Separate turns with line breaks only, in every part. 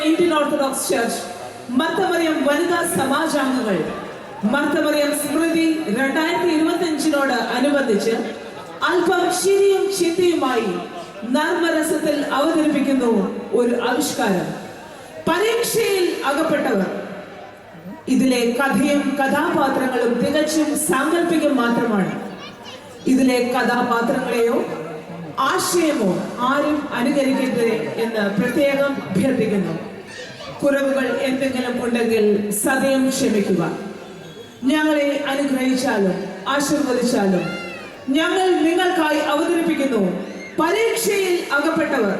Indian orthodox church Marth Mariam വനിതാ സമാജാംഗങ്ങൾ മർത്തമറിയം സ്മൃതി 2025 അനുബന്ധിച്ച് അല്പം ചിരിയും ചിന്തയുമായി നർമ്മരസത്തിൽ അവതരിപ്പിക്കുന്നു ഒരു ആവിഷ്കാരം. പരീക്ഷയിൽ അകപ്പെട്ടവർ. ഇതിലെ കഥയും കഥാപാത്രങ്ങളും തികച്ചും സാങ്കല്പികം മാത്രമാണ്. ഇതിലെ കഥാപാത്രങ്ങളെയോ ആശയമോ ആരും അനുകരിക്കരുത് എന്ന് പ്രത്യേകം അഭ്യർത്ഥിക്കുന്നു. കുറവുകൾ എന്തെങ്കിലും ഉണ്ടെങ്കിൽ സദയം ക്ഷമിക്കുക. ഞങ്ങളെ അനുഗ്രഹിച്ചാലും ആശീർവദിച്ചാലും ഞങ്ങൾ നിങ്ങൾക്കായി അവതരിപ്പിക്കുന്നു പരീക്ഷയിൽ അകപ്പെട്ടവർ.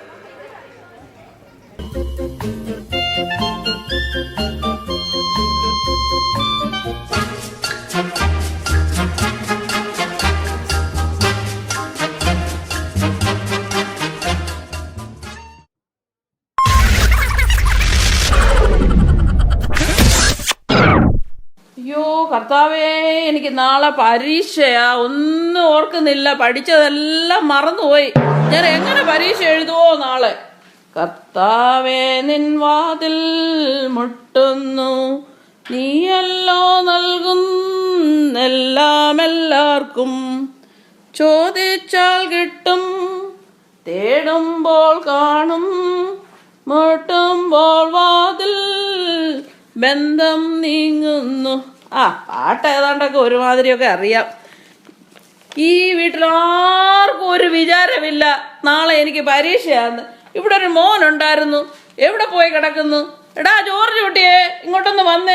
അയ്യോ കർത്താവേ, എനിക്ക് നാളെ പരീക്ഷയാ. ഒന്നും ഓർക്കുന്നില്ല, പഠിച്ചതെല്ലാം മറന്നുപോയി. ഞാൻ എങ്ങനെ പരീക്ഷ എഴുതുവോ നാളെ? കർത്താവേ, നിൻ വാതിൽ മുട്ടുന്നു, നീയല്ലോ നൽകുന്നെല്ലാം എല്ലാവർക്കും. ചോദിച്ചാൽ കിട്ടും, തേടുമ്പോൾ കാണും, മുട്ടുമ്പോൾ വാതിൽ ബന്ധം നീങ്ങുന്നു. പാട്ട് ഏതാണ്ടൊക്കെ ഒരുമാതിരിയൊക്കെ അറിയാം. ഈ വീട്ടിലാർക്കും ഒരു വിചാരമില്ല നാളെ എനിക്ക് പരീക്ഷയാന്ന്. ഇവിടെ ഒരു മോനുണ്ടായിരുന്നു, എവിടെ പോയി കിടക്കുന്നു? എടാ ജോർജ് കുട്ടിയെ, ഇങ്ങോട്ടൊന്ന് വന്നേ.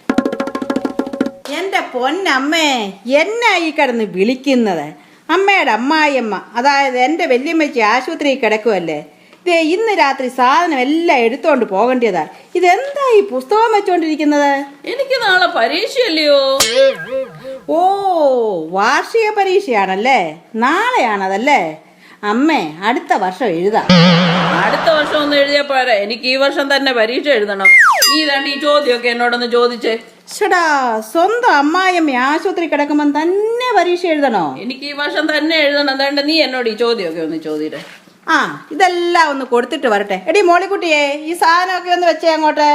എൻ്റെ പൊന്നമ്മേ, എന്നാ ഈ കിടന്ന് വിളിക്കുന്നത്? അമ്മയുടെ അമ്മായിയമ്മ, അതായത് എൻ്റെ വല്യമ്മച്ചി ആശുപത്രിയിൽ കിടക്കുമല്ലേ. ഇതേ ഇന്ന് രാത്രി സാധനം എല്ലാം എടുത്തോണ്ട് പോകേണ്ടതാ. ഇതെന്താ ഈ പുസ്തകം വെച്ചോണ്ടിരിക്കുന്നത്?
എനിക്ക് നാളെ പരീക്ഷയല്ലയോ?
ഓ, വാർഷിക പരീക്ഷയാണല്ലേ, നാളെയാണതല്ലേ. അമ്മേ, അടുത്ത വർഷം എഴുതാം.
അടുത്ത വർഷം ഒന്ന് എഴുതിയാ പോരാ, എനിക്ക് ഈ വർഷം തന്നെ പരീക്ഷ എഴുതണം. നീ തന്നെ ഈ ചോദ്യമൊക്കെ എന്നോടൊന്ന് ചോദിച്ചേ.
ചേടാ, സ്വന്തം അമ്മായിയമ്മ ആശുപത്രി കിടക്കുമ്പോ തന്നെ പരീക്ഷ എഴുതണോ?
എനിക്ക് ഈ വർഷം തന്നെ എഴുതണം. അതുകൊണ്ട് നീ എന്നോട് ഈ ചോദ്യമൊക്കെ ഒന്ന് ചോദിച്ചേ.
ഇതെല്ലാം ഒന്ന് കൊടുത്തിട്ട് വരട്ടെ. എടി മോളിക്കുട്ടിയെ, ഈ സാധനമൊക്കെ ഒന്ന് വെച്ചേ അങ്ങോട്ട്.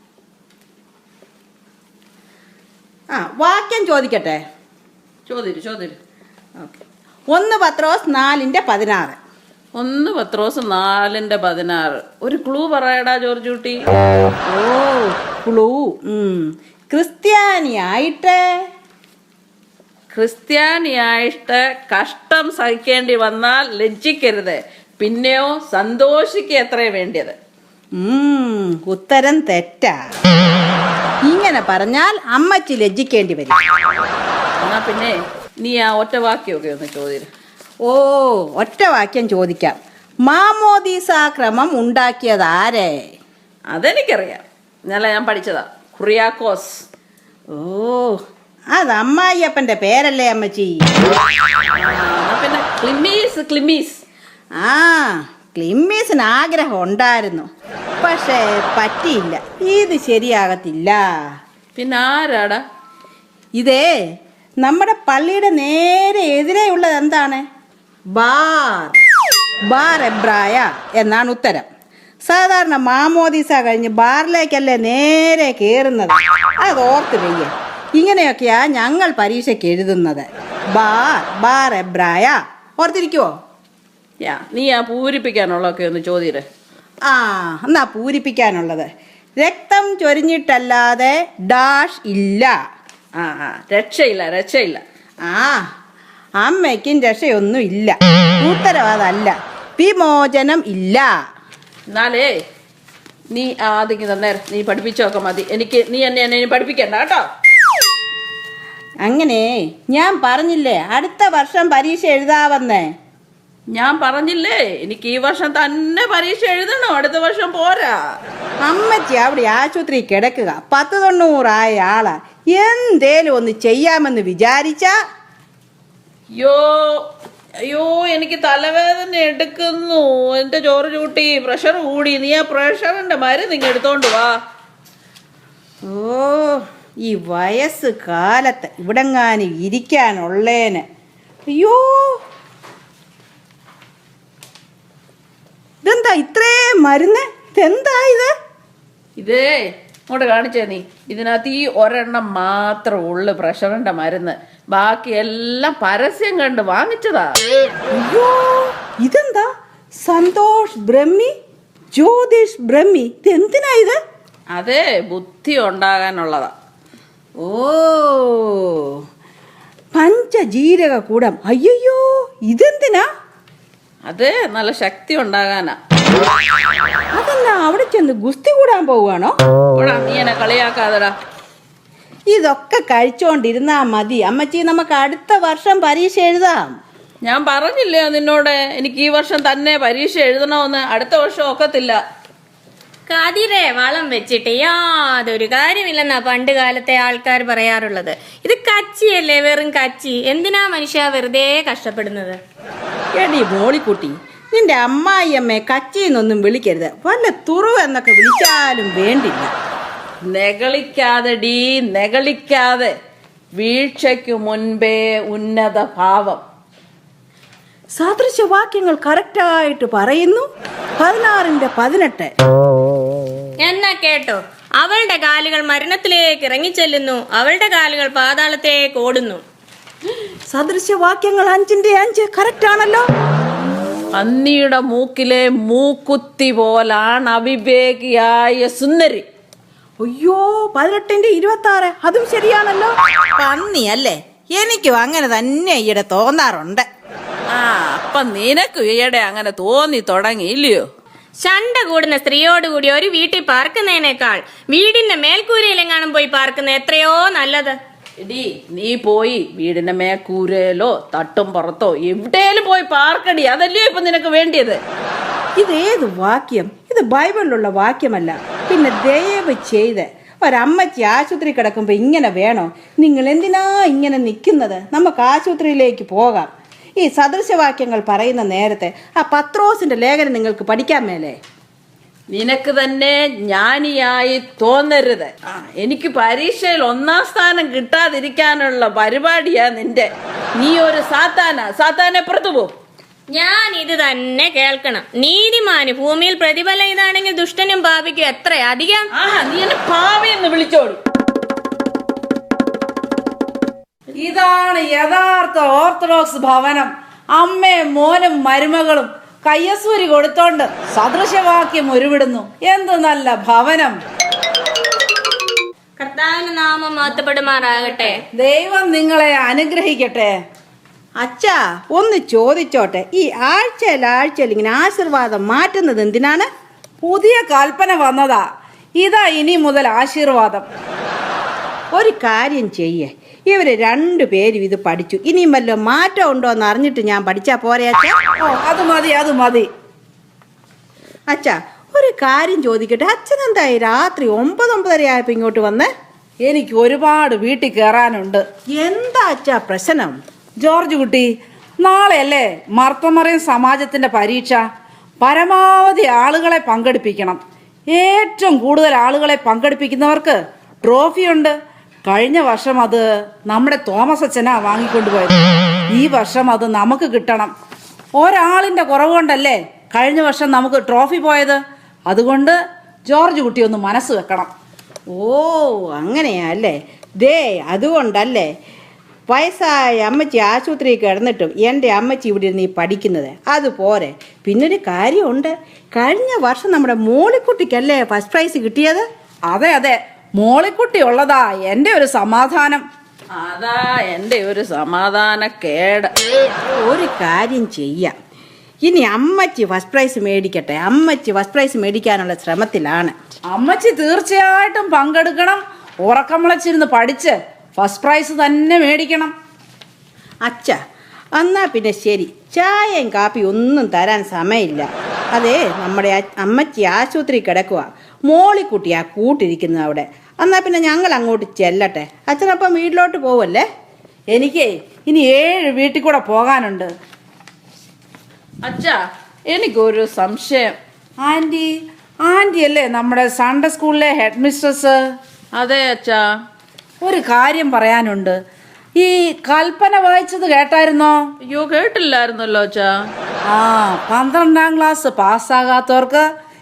വാക്യം ചോദിക്കട്ടെ?
ചോദിച്ചു.
ഓക്കെ. 1 പത്രോസ് 4:16.
1 പത്രോസ് 4:16. ഒരു ക്ലൂ പറയടാ ജോർജ് കുട്ടി.
ഓ, ക്ലൂ.
ക്രിസ്ത്യാനിയായിട്ട് കഷ്ടം സഹിക്കേണ്ടി വന്നാൽ ലജ്ജിക്കരുത്, പിന്നെയോ സന്തോഷിക്കുക എത്രേ വേണ്ടിയത്.
ഉത്തരം തെറ്റാ. ഇങ്ങനെ പറഞ്ഞാൽ അമ്മച്ചി ലജ്ജിക്കേണ്ടി വരും.
എന്നാ പിന്നെ നീ ആ ഒറ്റ വാക്യമൊക്കെ ഒന്ന് ചോദിച്ചു.
ഓ, ഒറ്റ വാക്യം ചോദിക്കാം. മാമോദീസാ ക്രമം ഉണ്ടാക്കിയത് ആരെ?
അതെനിക്കറിയാം, ഇന്നലെ ഞാൻ പഠിച്ചതാ. കുറിയാക്കോസ്.
ഓ, അത് അമ്മായിയപ്പന്റെ പേരല്ലേ അമ്മച്ചി?
പിന്നെ ക്ലിമ്മീസ്.
ക്ലിമ്മീസിന് ആഗ്രഹം ഉണ്ടായിരുന്നു, പക്ഷേ പറ്റിയില്ല. ഇത് ശരിയാകത്തില്ല.
പിന്നെ ആരാടാ?
ഇതേ നമ്മുടെ പള്ളിയുടെ നേരെ എതിരെയുള്ളത് എന്താണ്? ബാർ എബ്രായ എന്നാണ് ഉത്തരം. സാധാരണ മാമോദീസ കഴിഞ്ഞ് ബാറിലേക്കല്ലേ നേരെ കയറുന്നത്. അത് ഓർത്ത് വയ്യ. ഇങ്ങനെയൊക്കെയാ ഞങ്ങൾ പരീക്ഷയ്ക്ക് എഴുതുന്നത്. ബാർ എബ്രായ. ഓർത്തിരിക്കുവോ?
നീ ആ പൂരിപ്പിക്കാനുള്ളതൊക്കെ ഒന്ന് ചോദിച്ചേ.
എന്നാ പൂരിപ്പിക്കാനുള്ളത്. രക്തം ചൊരിഞ്ഞിട്ടല്ലാതെ ഡാഷ് ഇല്ല.
രക്ഷയില്ല.
അമ്മയ്ക്കും രക്ഷയൊന്നും ഇല്ല. ഉത്തരവാദമല്ല, വിമോചനം ഇല്ല.
എന്നാലേ നീ ആദ്യം തന്നേരം നീ പഠിപ്പിച്ചൊക്കെ മതി. നീ എന്നെ പഠിപ്പിക്കണ്ട കേട്ടോ.
അങ്ങനെ ഞാൻ പറഞ്ഞില്ലേ അടുത്ത വർഷം പരീക്ഷ എഴുതാവന്നേ.
ഞാൻ പറഞ്ഞില്ലേ എനിക്ക് ഈ വർഷം തന്നെ പരീക്ഷ എഴുതണം, അടുത്ത വർഷം പോരാ.
അമ്മച്ചി അവിടെ ആശുപത്രി കിടക്കുക, 90 ആയ ആളാ. എന്തേലും ഒന്ന് ചെയ്യാമെന്ന് വിചാരിച്ചാ.
അയ്യോ എനിക്ക് തലവേദന എടുക്കുന്നു. എന്റെ ജോർജ് കുട്ടി, പ്രഷർ കൂടി. നീ ആ പ്രഷറിന്റെ മരുന്ന് ഇങ്ങ് എടുത്തോണ്ട് വാ.
ഓ, ഈ വയസ്സ് കാലത്ത് ഇവിടെങ്ങാനും ഇരിക്കാനുള്ളേന്. അയ്യോ, ഇതെന്താ ഇത്രേ മരുന്ന്? ഇതെന്താ ഇത്?
ഇതേ ഇങ്ങോട്ട് കാണിച്ചേ നീ. ഇതിനകത്ത് ഈ ഒരെണ്ണം മാത്രം ഉള്ളു പ്രഷറിന്റെ മരുന്ന്. ബാക്കി എല്ലാം പരസ്യം കണ്ട് വാങ്ങിച്ചതാ.
അയ്യോ, ഇതെന്താ? സന്തോഷ് ബ്രഹ്മി, ജ്യോതിഷ് ബ്രഹ്മി. ഇത് എന്തിനാ ഇത്?
അതെ, ബുദ്ധി ഉണ്ടാകാനുള്ളതാ.
ഓ, പഞ്ചജീരക കൂടം. അയ്യോ, ഇതെന്തിനാ?
അതെ, നല്ല ശക്തി ഉണ്ടാകാനാ.
അതെന്നാ അവിടെ ചെന്ന് ഗുസ്തി കൂടാൻ പോവുകയാണോ?
നീ എന്നെ കളിയാക്കാതെടാ.
ഇതൊക്കെ കഴിച്ചോണ്ടിരുന്നാ മതി അമ്മച്ചി, നമുക്ക് അടുത്ത വർഷം പരീക്ഷ എഴുതാം.
ഞാൻ പറഞ്ഞില്ലേ നിന്നോട്, എനിക്ക് ഈ വർഷം തന്നെ പരീക്ഷ എഴുതണമെന്ന്. അടുത്ത വർഷം ഒക്കത്തില്ല.
കതിരെ വളം വെച്ചിട്ട് യാതൊരു കാര്യമില്ലെന്നാ പണ്ട് കാലത്തെ ആൾക്കാർ പറയാറുള്ളത്. ഇത് കച്ചിയല്ലേ, വെറും കച്ചി. എന്തിനാ മനുഷ്യ വെറുതെ കഷ്ടപ്പെടുന്നത്?
എടി മോളിക്കുട്ടി, നിന്റെ അമ്മായിയമ്മയെ കച്ചിന്നൊന്നും വിളിക്കരുത്. വല്ല തുറവ് എന്നൊക്കെ വിളിച്ചാലും വേണ്ടില്ല.
നെകളിക്കാതെ ഡീ, നെകളിക്കാതെ. വീഴ്ചയ്ക്കു മുൻപേ ഉന്നത ഭാവം.
സദൃശവാക്യങ്ങൾ കറക്റ്റായിട്ട് പറയുന്നു. 16:18.
എന്നാ കേട്ടോ, അവളുടെ കാലുകൾ മരണത്തിലേക്ക് ഇറങ്ങിച്ചെല്ലുന്നു, അവളുടെ കാലുകൾ പാതാളത്തേക്ക് ഓടുന്നു.
സദൃശവാക്യങ്ങൾ 5:5 കറക്റ്റ് ആണല്ലോ.
പന്നിയുടെ മൂക്കിലെ മൂക്കുത്തി പോലാണ് അവിവേകിയായ സുന്ദരി.
അയ്യോ, 18:26 അതും ശരിയാണല്ലോ. പന്നി അല്ലേ? എനിക്കും അങ്ങനെ തന്നെ ഈയിടെ തോന്നാറുണ്ട്.
അപ്പൊ നിനക്ക് ഈയിടെ അങ്ങനെ തോന്നി തുടങ്ങി ഇല്ലയോ?
ശണ്ട കൂടുന്ന സ്ത്രീയോടുകൂടി ഒരു വീട്ടിൽ പാർക്കുന്നതിനേക്കാൾ വീടിന്റെ മേൽക്കൂരയിലെങ്ങാനും പോയി പാർക്കുന്ന എത്രയോ നല്ലത്.
എടി, നീ പോയി വീടിന്റെ മേക്കൂരയിലോ തട്ടും പുറത്തോ എവിടെയും പോയി പാർക്കടി. അതല്ലയോ ഇപ്പൊ നിനക്ക് വേണ്ടിയത്?
ഇതേത് വാക്യം? ഇത് ബൈബിളിലുള്ള വാക്യമല്ല. പിന്നെ ദയവ് ചെയ്ത് ഒരമ്മച്ചി ആശുപത്രി കിടക്കുമ്പോ ഇങ്ങനെ വേണോ? നിങ്ങൾ എന്തിനാ ഇങ്ങനെ നിൽക്കുന്നത്? നമുക്ക് ആശുപത്രിയിലേക്ക് പോകാം. ഈ സദൃശവാക്യങ്ങൾ പറയുന്ന നേരത്തെ ആ പത്രോസിന്റെ ലേഖനം നിങ്ങൾക്ക് പഠിക്കാൻ മേലേ?
നിനക്ക് തന്നെ ജ്ഞാനിയായി തോന്നരുത്. എനിക്ക് പരീക്ഷയിൽ 1ാം സ്ഥാനം കിട്ടാതിരിക്കാനുള്ള പരിപാടിയാ നിന്റെ. നീ ഒരു സാത്താനെ പുറത്തു പോ.
ഞാൻ ഇത് തന്നെ കേൾക്കണം. നീതിമാന് ഭൂമിയിൽ പ്രതിഫലം ഇതാണെങ്കിൽ ദുഷ്ടനും പാപിക്കും എത്ര അധികം.
നീ എന്നെ പാവയെന്ന് വിളിച്ചോളൂ.
ഇതാണ് യഥാർത്ഥ ഓർത്തഡോക്സ് ഭവനം. അമ്മയും മോനും മരുമകളും കയ്യസൂരി കൊടുത്തോണ്ട് സദൃശവാക്യം ഉരുവിടുന്നു. എന്ത് നല്ല ഭവനം!
കർത്താവിന്റെ നാമം മഹത്വപ്പെടുമാറാകട്ടെ.
ദൈവം നിങ്ങളെ അനുഗ്രഹിക്കട്ടെ.
അച്ഛാ, ഒന്ന് ചോദിച്ചോട്ടെ, ഈ ആഴ്ചയിൽ ഇങ്ങനെ ആശീർവാദം മാറ്റുന്നത് എന്തിനാണ്?
പുതിയ കൽപ്പന വന്നതാ. ഇതാ ഇനി മുതൽ ആശീർവാദം.
ഒരു കാര്യം ചെയ്യേ, ഇവര് 2 പേരും ഇത് പഠിച്ചു. ഇനിയും വല്ല മാറ്റം ഉണ്ടോ എന്ന് അറിഞ്ഞിട്ട് ഞാൻ പഠിച്ചാ പോരെ അച്ഛാ?
അത് മതി.
അച്ഛാ, ഒരു കാര്യം ചോദിക്കട്ടെ, അച്ഛൻ എന്തായി രാത്രി 9:30 ആയപ്പോ ഇങ്ങോട്ട് വന്നേ?
എനിക്ക് ഒരുപാട് വീട്ടിൽ കയറാനുണ്ട്.
എന്താ അച്ഛാ പ്രശ്നം?
ജോർജ് കുട്ടി, നാളെയല്ലേ മർത്തമറിയം സമാജത്തിന്റെ പരീക്ഷ. പരമാവധി ആളുകളെ പങ്കെടുപ്പിക്കണം. ഏറ്റവും കൂടുതൽ ആളുകളെ പങ്കെടുപ്പിക്കുന്നവർക്ക് ട്രോഫിയുണ്ട്. കഴിഞ്ഞ വർഷം അത് നമ്മുടെ തോമസ് അച്ഛനാ വാങ്ങിക്കൊണ്ടുപോയത്. ഈ വർഷം അത് നമുക്ക് കിട്ടണം. ഒരാളിന്റെ കുറവ് കൊണ്ടല്ലേ കഴിഞ്ഞ വർഷം നമുക്ക് ട്രോഫി പോയത്. അതുകൊണ്ട് ജോർജ് കുട്ടി ഒന്ന് മനസ്സ് വെക്കണം.
ഓ, അങ്ങനെയാ അല്ലേ? ദേ, അതുകൊണ്ടല്ലേ വയസ്സായ അമ്മച്ചി ആശുപത്രിയിൽ കിടന്നിട്ടും എൻ്റെ അമ്മച്ചി ഇവിടെ ഇരുന്ന് ഈ പഠിക്കുന്നത്. അതുപോലെ പിന്നൊരു കാര്യമുണ്ട്. കഴിഞ്ഞ വർഷം നമ്മുടെ മോളിക്കുട്ടിക്കല്ലേ ഫസ്റ്റ് പ്രൈസ് കിട്ടിയത്?
അതെ, മോളിക്കുട്ടി ഉള്ളതാ എൻ്റെ ഒരു സമാധാനം.
അതാ എൻ്റെ ഒരു സമാധാനക്കേട്.
ഒരു കാര്യം ചെയ്യാം, ഇനി അമ്മച്ചി ഫസ്റ്റ് പ്രൈസ് മേടിക്കട്ടെ. അമ്മച്ചി ഫസ്റ്റ് പ്രൈസ് മേടിക്കാനുള്ള ശ്രമത്തിലാണ്.
അമ്മച്ചി തീർച്ചയായിട്ടും പങ്കെടുക്കണം. ഉറക്കം വിളച്ചിരുന്ന് പഠിച്ച് ഫസ്റ്റ് പ്രൈസ് തന്നെ മേടിക്കണം.
അച്ഛാ, എന്നാ പിന്നെ ശരി, ചായയും കാപ്പി ഒന്നും തരാൻ സമയമില്ല. അതെ, നമ്മുടെ അമ്മച്ചി ആശുപത്രി കിടക്കുക, മോളിക്കുട്ടിയാ കൂട്ടിരിക്കുന്നത് അവിടെ. എന്നാ പിന്നെ ഞങ്ങൾ അങ്ങോട്ട് ചെല്ലട്ടെ. അച്ഛനപ്പം വീട്ടിലോട്ട് പോവല്ലേ?
എനിക്ക് ഇനി 7 വീട്ടിൽ കൂടെ പോകാനുണ്ട്.
അച്ഛാ, എനിക്കൊരു സംശയം.
ആന്റി അല്ലേ നമ്മുടെ സൺഡേ സ്കൂളിലെ ഹെഡ് മിസ്ട്രസ്?
അതെ അച്ഛാ.
ഒരു കാര്യം പറയാനുണ്ട്. ഈ കൽപ്പന വായിച്ചത് കേട്ടായിരുന്നോ?
അയ്യോ, കേട്ടില്ലായിരുന്നല്ലോ അച്ഛാ.
12ാം ക്ലാസ് പാസ്സാകാത്തവർക്ക്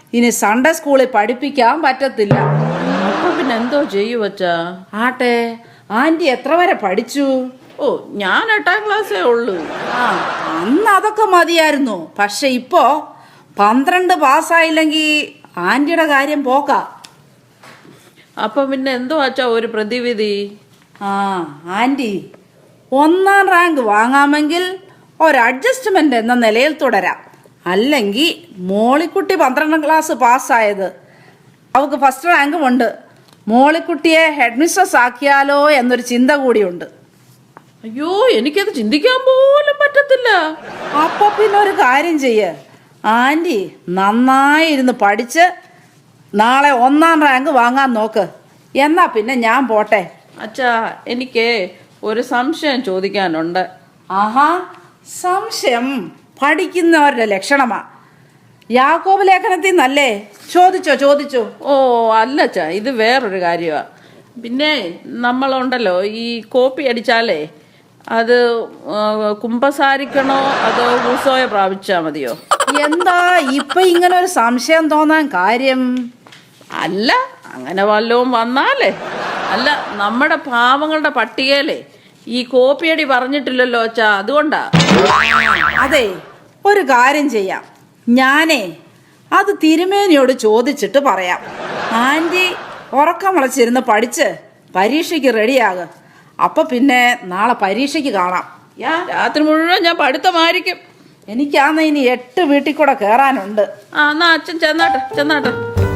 ഇനി സൺഡേ സ്കൂളിൽ പഠിപ്പിക്കാൻ പറ്റത്തില്ല.
അപ്പൊ പിന്നെ എന്തോ ചെയ്യൂ അച്ഛാ?
ആട്ടെ, ആന്റി എത്ര വരെ പഠിച്ചു?
ഓ, ഞാൻ 8ാം ക്ലാസ്സേ ഉള്ളൂ.
ആ, അന്ന് അതൊക്കെ മതിയായിരുന്നു. പക്ഷെ ഇപ്പോ 12 പാസ്സായില്ലെങ്കിൽ ആന്റിയുടെ കാര്യം പോക്കാ.
അപ്പൊ പിന്നെ എന്തോ അച്ഛാ ഒരു പ്രതിവിധി?
ആ, ആന്റി 1ാം റാങ്ക് വാങ്ങാമെങ്കിൽ ഒരു അഡ്ജസ്റ്റ്മെന്റ് എന്ന നിലയിൽ തുടരാം. അല്ലെങ്കിൽ മോളിക്കുട്ടി 12ാം ക്ലാസ് പാസ്സായത്, അവൾക്ക് ഫസ്റ്റ് റാങ്കും ഉണ്ട്. മോളിക്കുട്ടിയെ ഹെഡ് മിസ്ട്രസ് ആക്കിയാലോ എന്നൊരു ചിന്ത കൂടിയുണ്ട്.
അയ്യോ, എനിക്കത് ചിന്തിക്കാൻ പോലും പറ്റത്തില്ല.
അപ്പൊ പിന്നെ ഒരു കാര്യം ചെയ്യ്, ആന്റി നന്നായി ഇരുന്ന് പഠിച്ച് നാളെ 1ാം റാങ്ക് വാങ്ങാൻ നോക്ക്. എന്നാ പിന്നെ ഞാൻ പോട്ടെ.
അച്ഛാ, എനിക്ക് ഒരു സംശയം ചോദിക്കാനുണ്ട്.
ആഹാ, സംശയം പഠിക്കുന്നവരുടെ ലക്ഷണമാ. യാക്കോബ് ലേഖനത്തിൽ നിന്നല്ലേ? ചോദിച്ചോ.
ഓ അല്ല അച്ഛാ, ഇത് വേറൊരു കാര്യമാ. പിന്നെ നമ്മളുണ്ടല്ലോ, ഈ കോപ്പി അടിച്ചാലേ അത് കുമ്പസാരിക്കണോ അതോ ഉത്സവ പ്രാപിച്ചാ മതിയോ?
എന്താ ഇപ്പൊ ഇങ്ങനെ ഒരു സംശയം തോന്നാൻ കാര്യം?
അല്ല, അങ്ങനെ വല്ലതും വന്നാലേ. അല്ല, നമ്മുടെ പാവങ്ങളുടെ പട്ടികയിലേ ഈ കോപ്പിയടി പറഞ്ഞിട്ടില്ലല്ലോ അച്ഛാ, അതുകൊണ്ടാ.
അതെ, ഒരു കാര്യം ചെയ്യാം. ഞാനേ അത് തിരുമേനിയോട് ചോദിച്ചിട്ട് പറയാം. ആന്റി ഉറക്കം വിളച്ചിരുന്ന് പഠിച്ച് പരീക്ഷയ്ക്ക് റെഡിയാകും. അപ്പൊ പിന്നെ നാളെ പരീക്ഷയ്ക്ക് കാണാം.
രാത്രി മുഴുവൻ ഞാൻ പഠിത്തമായിരിക്കും.
എനിക്കാന്ന് ഇനി 8 വീട്ടിൽ കൂടെ കയറാനുണ്ട്.
ആ, എന്നാ അച്ഛൻ ചെന്നാട്ടെ.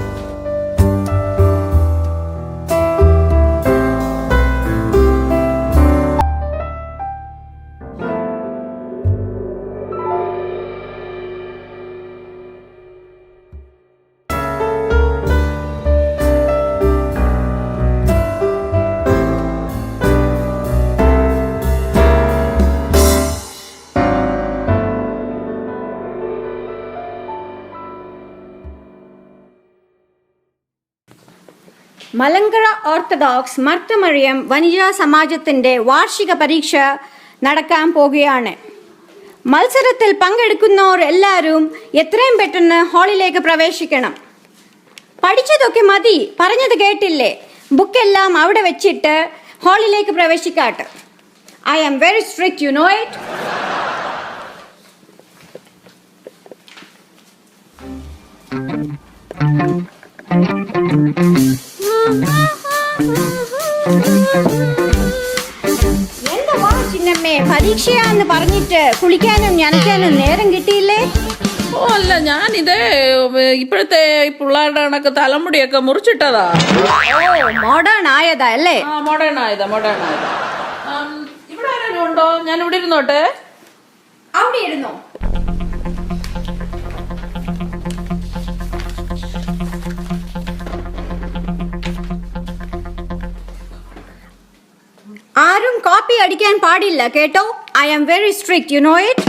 മലങ്കര ഓർത്തഡോക്സ് മർത്തമറിയം വനിതാ സമാജത്തിന്റെ വാർഷിക പരീക്ഷ നടക്കാൻ പോകുകയാണ്. മത്സരത്തിൽ പങ്കെടുക്കുന്നവർ എല്ലാവരും എത്രയും പെട്ടെന്ന് ഹാളിലേക്ക് പ്രവേശിക്കണം. പഠിച്ചതൊക്കെ മതി, പറഞ്ഞത് കേട്ടില്ലേ? ബുക്കെല്ലാം അവിടെ വെച്ചിട്ട് ഹാളിലേക്ക് പ്രവേശിക്കാട്ടെ. I am very strict, you know it. എന്താ ചിന്നമ്മേ, പരീക്ഷയാന്ന് പറഞ്ഞിട്ട് കുളിക്കാനും നനയ്ക്കാനും നേരം കിട്ടിയില്ലേ?
ഓ അല്ല, ഞാനിത് ഇപ്പോഴത്തെ പിള്ളേരുടെ കണക്ക് തലമുടിയൊക്കെ മുറിച്ചിട്ടതാ.
മോഡേൺ ആയതാ അല്ലേ?
ആ, മോഡേൺ ആയതാ. ഇവിടെ ആരെങ്കിലും ഉണ്ടോ? ഞാൻ ഇവിടെ ഇരുന്നോട്ടെ.
അവിടെ ഇരുന്നോ. ആരും കോപ്പി അടിക്കാൻ പാടില്ല കേട്ടോ. I am very strict, you know it.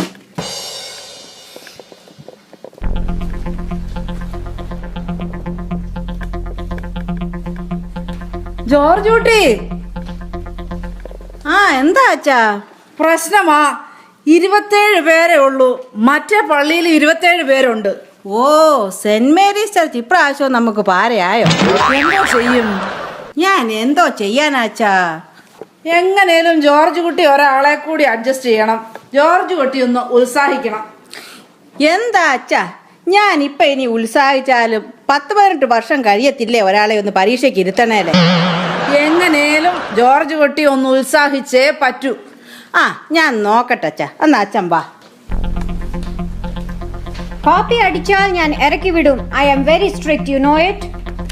George Kutty.
ആ, എന്താ അച്ഛാ?
പ്രശ്നമാ, 27 പേരേ ഉള്ളൂ. മറ്റേ പള്ളിയിൽ 27 പേരുണ്ട്.
ഓ, സെന്റ് മേരീസ് ചർച്ച് ഇപ്രാവശ്യം നമുക്ക് പാരയായോ?
എന്തോ ചെയ്യും?
ഞാൻ എന്തോ ചെയ്യാനാച്ചാ?
എങ്ങനേലും ജോർജ് കുട്ടി ഒരാളെ കൂടി അഡ്ജസ്റ്റ് ചെയ്യണം. ജോർജ് കുട്ടി ഒന്ന് ഉത്സാഹിക്കണം.
എന്താ അച്ഛാ, ഞാൻ ഇപ്പൊ ഇനി ഉത്സാഹിച്ചാലും 10-18 വർഷം കഴിയത്തില്ലേ ഒരാളെ ഒന്ന് പരീക്ഷയ്ക്ക് ഇരുത്തണേലേ?
എങ്ങനേലും ജോർജ് കുട്ടി ഒന്ന് ഉത്സാഹിച്ചേ പറ്റൂ.
ആ, ഞാൻ നോക്കട്ടെ അച്ഛാ. എന്നാ അച്ഛൻ വാ.
കോപ്പി അടിച്ചാൽ ഞാൻ ഇറക്കി വിടും. I am very strict, you know it.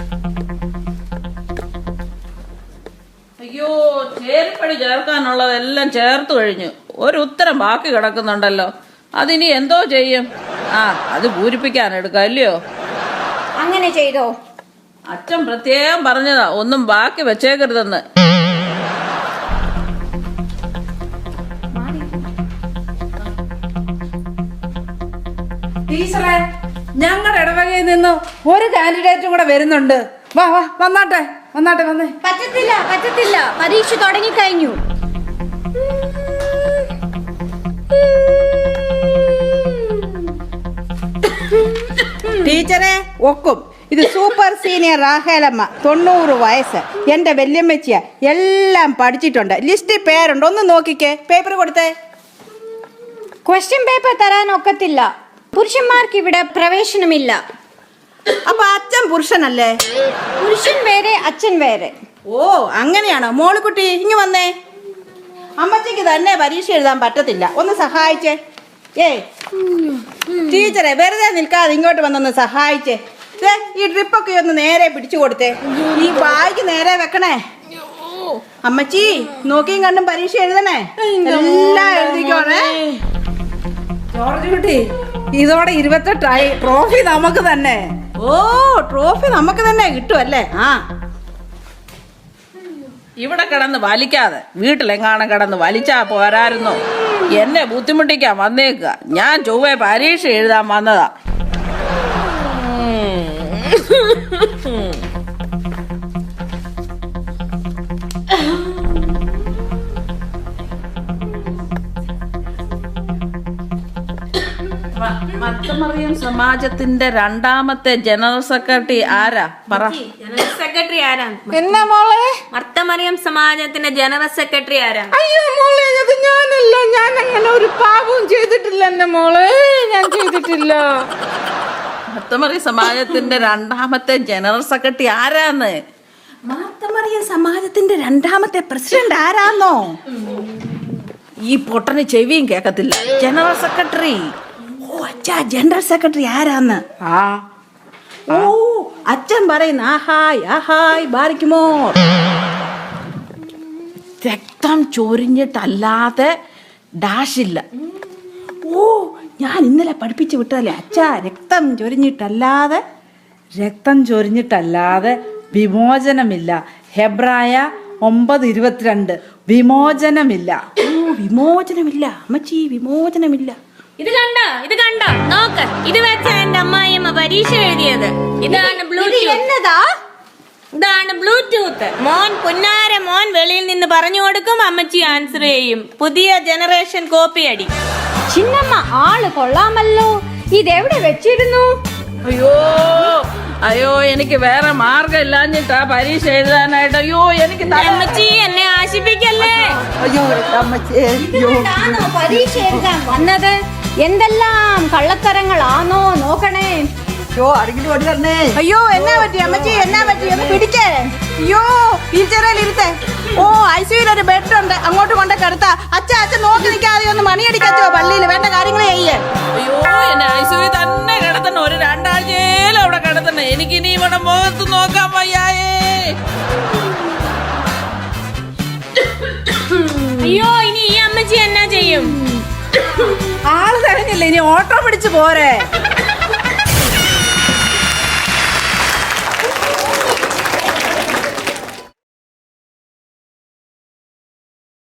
അയ്യോ, ചേരിപ്പടി ചേർക്കാനുള്ളതെല്ലാം ചേർത്ത് കഴിഞ്ഞു. ഒരു ഉത്തരം ബാക്കി കിടക്കുന്നുണ്ടല്ലോ. അതിനി എന്തോ ചെയ്യും? ആ, അത് പൂരിപ്പിക്കാൻ എടുക്കാം അല്ലയോ?
അങ്ങനെ ചെയ്തോ.
അച്ഛൻ പ്രത്യേകം പറഞ്ഞതാ ഒന്നും ബാക്കി വെച്ചേക്കരുതെന്ന്.
ടീച്ചറെ, ഞങ്ങളുടെ ഇടവകയിൽ നിന്ന് ഒരു കാൻഡിഡേറ്റും കൂടെ വരുന്നുണ്ട്. വാ, വന്നേ.
പറ്റത്തില്ല, പരീക്ഷ തുടങ്ങിക്കഴിഞ്ഞു.
ടീച്ചറെ ഒക്കും. ഇത് സൂപ്പർ സീനിയർ റാഹേലമ്മ, 90 വയസ്സ്. എൻ്റെ വല്യമ്മച്ചിയ, എല്ലാം പഠിച്ചിട്ടുണ്ട്. ലിസ്റ്റിൽ പേരുണ്ട്, ഒന്ന് നോക്കിക്കേ. പേപ്പർ കൊടുത്തേ.
ക്വസ്റ്റ്യൻ പേപ്പർ തരാൻ ഒക്കത്തില്ല. പുരുഷന്മാർക്ക് ഇവിടെ പ്രവേശനമില്ല.
അപ്പൊ അച്ഛൻ പുരുഷനല്ലേ?
പുരുഷൻ വേറെ, അച്ഛൻ വേറെ.
ഓ അങ്ങനെയാണോ? മോളിക്കുട്ടി ഇങ്ങ് വന്നേ. അമ്മച്ചിക്ക് തന്നെ പരീക്ഷ എഴുതാൻ പറ്റത്തില്ല, ഒന്ന് സഹായിച്ചേ. ടീച്ചറെ വെറുതെ നിൽക്കാതെ ഇങ്ങോട്ട് വന്നൊന്ന് സഹായിച്ചേ. ഈ ഡ്രിപ്പൊക്കെ ഒന്ന് നേരെ പിടിച്ചു കൊടുത്തേ. ഈ ബാഗ് നേരെ വെക്കണേ. അമ്മച്ചി നോക്കിയും കണ്ടും പരീക്ഷ എഴുതണേ. എല്ലാം എഴുതിക്കോണേ.
ജോർജ് കുട്ടി, ഇതോടെ 28ആയി. ട്രോഫി നമുക്ക് തന്നെ.
ഓ ട്രോഫി നമുക്ക് തന്നെ കിട്ടുമല്ലേ? ആ
ഇവിടെ കിടന്ന് വലിക്കാതെ വീട്ടിലെങ്ങാനും കിടന്ന് വലിച്ചാ പോരായിരുന്നോ? എന്നെ ബുദ്ധിമുട്ടിക്കാൻ വന്നേക്കുക. ഞാൻ ചൊവ്വേ പരീക്ഷ എഴുതാൻ വന്നതാ. മർത്തമറിയം സമാജത്തിന്റെ രണ്ടാമത്തെ ജനറൽ സെക്രട്ടറി ആരാ? പറ.
ജനറൽ സെക്രട്ടറി ആരാ?
എന്നാ മോളെ?
മർത്തമറിയം സമാജത്തിന്റെ ജനറൽ സെക്രട്ടറി ആരാ?
അയ്യോ മോളെ, അത് ഞാനല്ല. ഞാൻ അങ്ങനെ ഒരു പാപവും ചെയ്തിട്ടില്ല എന്നെ മോളെ, ഞാൻ ചെയ്തിട്ടില്ല.
മർത്തമറിയം സമാജത്തിന്റെ രണ്ടാമത്തെ ജനറൽ സെക്രട്ടറി ആരാന്ന്?
മാർത്തമറിയം സമാജത്തിന്റെ രണ്ടാമത്തെ പ്രസിഡന്റ് ആരാന്നോ?
ഈ പൊട്ടന് ചെവിയും കേക്കത്തില്ല. General secretary.
ഓ അച്ഛാ, ജനറൽ സെക്രട്ടറി ആരാന്ന്? ഓ അച്ഛൻ പറയുന്ന ആഹായ് ആഹായ് ബാരിക്കുമോ.
രക്തം ചൊരിഞ്ഞിട്ടല്ലാതെ ഡാഷില്ല.
ഓ ഞാൻ ഇന്നലെ പഠിപ്പിച്ചു വിട്ടതല്ലേ അച്ഛാ, രക്തം ചൊരിഞ്ഞിട്ടല്ലാതെ.
രക്തം ചൊരിഞ്ഞിട്ടല്ലാതെ വിമോചനമില്ല. ഹെബ്രായ 9:22. വിമോചനമില്ല.
ഓ വിമോചനമില്ല അമ്മച്ചി, വിമോചനമില്ല.
ഇത് കണ്ടോ നോക്ക്. ഇത് വെച്ചാ എന്റെ അമ്മായിയമ്മ പരീക്ഷ എഴുതിയത്. ഇതാണ്
എന്നതാ?
ഇതാണ് ബ്ലൂടൂത്ത്. മോൻ പുന്നാര മോൻ വെളിയിൽ നിന്ന് പറഞ്ഞു കൊടുക്കും, അമ്മച്ചി ആൻസർ ചെയ്യും. പുതിയ ജനറേഷൻ കോപ്പി അടി.
ചിന്നമ്മ ആള് കൊള്ളാമല്ലോ. ഇതെവിടെ വെച്ചിരുന്നു?
അയ്യോ എനിക്ക് വേറെ മാർഗം ഇല്ലാഞ്ഞിട്ടാ പരീക്ഷ എഴുതാനായിട്ട്. അയ്യോ എനിക്ക്
അമ്മച്ചി എന്നെ ആശിപ്പിക്കല്ലേ.
അയ്യോ അമ്മച്ചി,
ഇവിടാണോ പരീക്ഷ എഴുതാൻ വന്നത്? എന്തെല്ലാം കള്ളത്തരങ്ങളാണോ നോക്കണേ.
അയ്യോ എന്നാ പറ്റി അമ്മച്ചി, എന്നാ പറ്റി? ഒന്ന് പിടിക്കേ. അയ്യോ വീൽചെയറിൽ ഇരുത്തേ. ഓ ഐസിയുയിൽ ഒരു ബെഡ് ഉണ്ട്, അങ്ങോട്ട് കൊണ്ട് കിടത്താ. അച്ഛൻ നോക്കി നിൽക്കാതെ ഒന്ന് മണിയടിക്കച്ചോ പള്ളിയിൽ. വേണ്ട കാര്യങ്ങൾ ചെയ്യേ.
അയ്യോ എന്നെ ഐസിയുവിൽ തന്നെ കിടത്തണം. ഒരു 2 ആഴ്ചയിലും അവിടെ കിടത്തണം. എനിക്കിനി ഇവിടെ മുഖത്ത് നോക്കാൻ വയ്യായേ.
അയ്യോ ഇനി ഈ അമ്മച്ചി എന്നാ ചെയ്യും?
ആള് തിരഞ്ഞില്ല, ഇനി ഓട്ടോ പിടിച്ച് പോരെ.